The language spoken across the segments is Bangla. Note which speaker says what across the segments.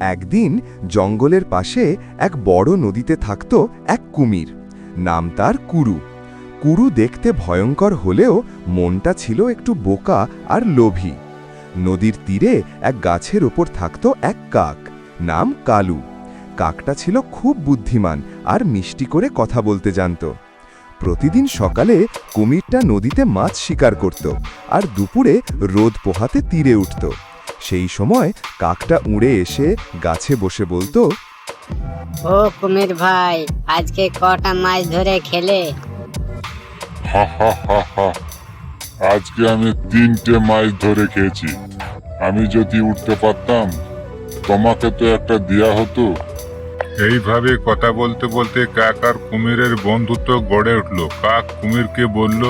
Speaker 1: একদিন জঙ্গলের পাশে এক বড় নদীতে থাকত এক কুমির। নাম তার কুরু। কুরু দেখতে ভয়ঙ্কর হলেও মনটা ছিল একটু বোকা আর লোভী। নদীর তীরে এক গাছের ওপর থাকত এক কাক, নাম কালু। কাকটা ছিল খুব বুদ্ধিমান আর মিষ্টি করে কথা বলতে জানত। প্রতিদিন সকালে কুমিরটা নদীতে মাছ শিকার করত আর দুপুরে রোদ পোহাতে তীরে উঠত। সেই সময় কাকটা উড়ে এসে গাছে বসে বলতো,
Speaker 2: ও কুমির ভাই, আজকে কটা মাছ ধরে খেলে?
Speaker 3: হা হা হা হা, আজকে আমি 3টে মাছ ধরে খেয়েছি। আমি যদি উঠতে পারতাম তোমাকে তো একটা দেয়া হতো। এইভাবে কথা বলতে বলতে কাক আর কুমিরের বন্ধুত্ব গড়ে উঠল। কাক কুমিরকে বলল,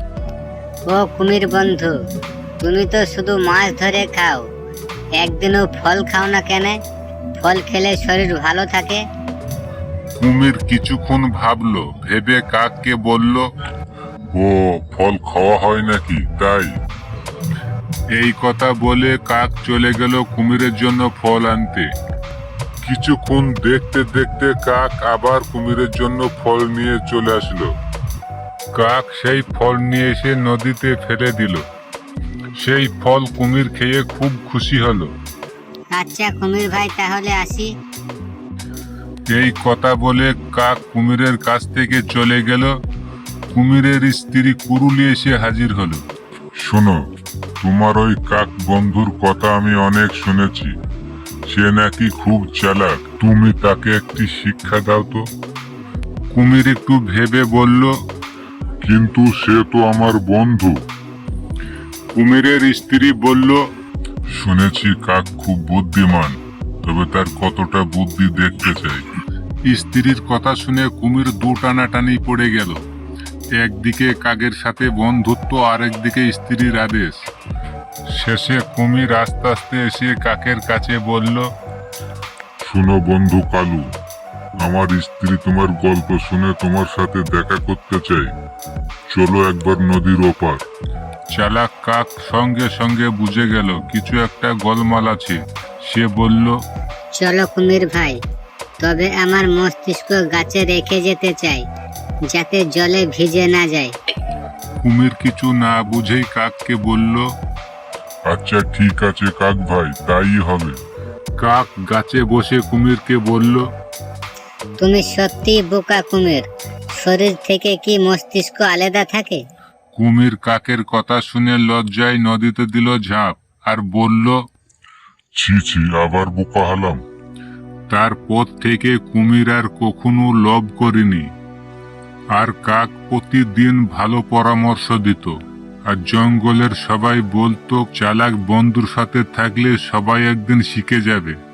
Speaker 2: ও কুমির বন্ধু, তুমি তো শুধু মাছ ধরে খাও, একদিনও ফল খাও না কেন? ফল খেলে শরীর ভালো থাকে।
Speaker 3: কুমির কিছুক্ষণ ভাবলো, ভেবে কাককে বলল, ও ফল খাওয়া হয় নাকি তাই? এই কথা বলে কাক চলে গেল কুমিরের জন্য ফল আনতে। কিছুক্ষণ দেখতে দেখতে কাক আবার কুমিরের জন্য ফল নিয়ে চলে আসলো। কাক সেই ফল নিয়ে এসে নদীতে ফেলে দিল। সেই ফল কুমির খেয়ে খুব খুশি হলো।
Speaker 2: আচ্ছা কুমির ভাই, তাহলে আসি।
Speaker 3: এই কথা বলে কাক কুমিরের কাছ থেকে চলে গেল। কুমিরের স্ত্রী কুরুলি এসে হাজির হলো। শোনো, তোমার ওই কাক বন্ধুর কথা আমি অনেক শুনেছি। সে নাকি খুব চালাক, তুমি তাকে একটি শিক্ষা দাও তো। কুমির একটু ভেবে বলল, কিন্তু সে তো আমার বন্ধু। কুমিরের স্ত্রী বলল, শুনেছি কাক খুব বুদ্ধিমান, তবে তার কতটা বুদ্ধি দেখতে চাই। স্ত্রীর কথা শুনে কুমির দু টানাটানি পড়ে গেল। একদিকে কাকের সাথে বন্ধুত্ব, আরেকদিকে স্ত্রীর আদেশ। শেষে কুমির আস্তে আস্তে এসে কাকের কাছে বলল, শোনো বন্ধু কালু, আমার স্ত্রী তোমার গল্প শুনে তোমার সাথে দেখা করতে চাই। চলো একবার নদীর ওপার। চালাক কাক সঙ্গে সঙ্গে বুঝে গেল কিছু একটা গোলমাল আছে। সে বলল,
Speaker 2: চলো কুমির ভাই, তবে আমার মস্তিষ্ক গাছে রেখে যেতে চাই, যাতে জলে ভিজে না যায়।
Speaker 3: কুমির কিছু না বুঝেই কাককে বলল, আচ্ছা ঠিক আছে কাক ভাই, তাই হবে। কাক গাছে বসে কুমিরকে বলল,
Speaker 2: তুমি সত্যি বোকা কুমির, শরীর থেকে কি মস্তিষ্ক আলাদা থাকে?
Speaker 3: কুমির কাকের কথা শুনে লজ্জায় নদীতে দিল ঝাঁপ আর বলল, ছি ছি, আবার বোকা হলাম। তারপর থেকে কুমির আর কখনো লোভ করেনি। আর কাক প্রতিদিন ভালো পরামর্শ দিত। আর জঙ্গলের সবাই বলতো, চালাক বন্ধুর সাথে থাকলে সবাই একদিন শিখে যাবে।